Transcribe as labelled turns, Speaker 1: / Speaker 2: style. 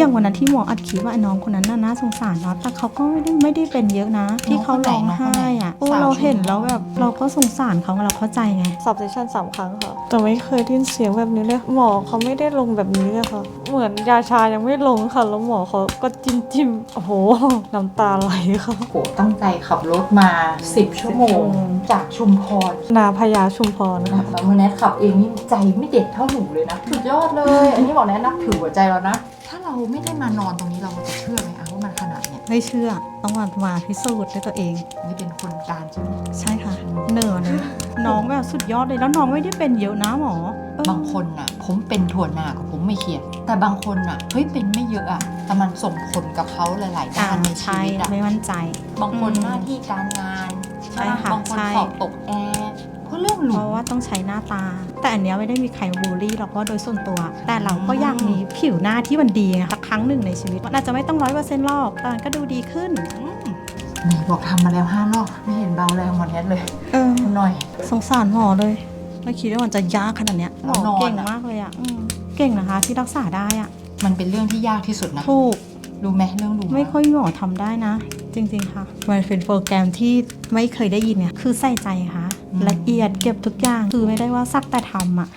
Speaker 1: อย่างวันนั้นที่หมออัดคลิปว่าไอ้น้องคนนั้นน่าสงสารเนาะแต่เขาก็ไม่ได้เป็นเยอะนะที่เขาร้องไห้อ่ะเราเห็นแล้วแบบเราก็สงสารเขาเราเข้าใจไง
Speaker 2: สอบเซสชั่น3 ครั้งค่ะแต่ไม่เคยได้ยินเสียงแบบนี้เลยหมอเขาไม่ได้ลงแบบนี้เลยค่ะเหมือนยาชายังไม่ลงค่ะแล้วหมอเขาก็จิ้มโอ้โหน้ำตาไหลค่ะ
Speaker 3: โหตั้งใจขับรถมา10 ชั่วโมงจากชุมพร
Speaker 2: นาพญาชุมพรค่ะ
Speaker 3: แล้วมื่อแนทขับเองนี่ใจไม่เด็ดเท่าหนูเลยนะสุดยอดเลย อันนี้บอกแนทนับถือหัวใจเรานะถ้าเราไม่ได้มานอนตรงนี้เราจะเชื่อไหมว่ามันขนาดเนี้ย
Speaker 1: ไม่เชื่อต้องมาพิสูจน์ด้วยตัวเอง
Speaker 3: นี่เป็นคนการใช่ไหม
Speaker 1: ใช่ค่ะเหนื่อยเลยน้องแบบสุดยอดเลยแล้วน้องไม่ได้เป็นเยอะนะหมอบ
Speaker 3: างคนน่ะผมเป็นถั่วหนากับผมไม่เครียดแต่บางคนน่ะเฮ้ยเป็นไม่เยอะอะแต่มันส่งผลกับเขาหลายๆด้านในชี
Speaker 1: ใช่
Speaker 3: วิตอะ
Speaker 1: ไม่มั่นใจ
Speaker 3: บางคนหน้าที่การงาน
Speaker 1: ใช่ค่ะ
Speaker 3: บางคน
Speaker 1: ใช่
Speaker 3: สอบตกแอร์เพราะเรื่องห
Speaker 1: เพ
Speaker 3: ลู
Speaker 1: ราะว่าต้องใช้หน้าตา แต่อันเนี้ยไม่ได้มีใครบูลลี่หรอกว่าโดยส่วนตัว แต่เราก็อยากมีผิวหน้าที่มันดีไงสักครั้งหนึ่งในชีวิตมันอาจจะไม่ต้อง100%หรอกแต่มันก็ดูดีขึ้น
Speaker 3: นี่บอกทำมาแล้ว5 รอบไม่เห็นเบาแรงหมดแนทเลย หน่อย
Speaker 1: สงสารหมอเลยไม่คิดว่ามันจะยากขนาดเนี้ยหมอ
Speaker 3: แล้วนอน
Speaker 1: เก่ง
Speaker 3: อะ
Speaker 1: มากเลยอ่ะเก่งนะคะที่รักษาได้อ่ะ
Speaker 3: มันเป็นเรื่องที่ยากที่สุดนะ
Speaker 1: ถูก
Speaker 3: รู้ไหมเรื่องดู
Speaker 1: ไม่ค่อยหมอทำได้นะ จริงๆค่ะมันเป็นโปรแกรมที่ไม่เคยได้ยินเนี่ยคือใส่ใจค่ะละเอียดเก็บทุกอย่างคือไม่ได้ว่าสักแต่ทำอ่ะ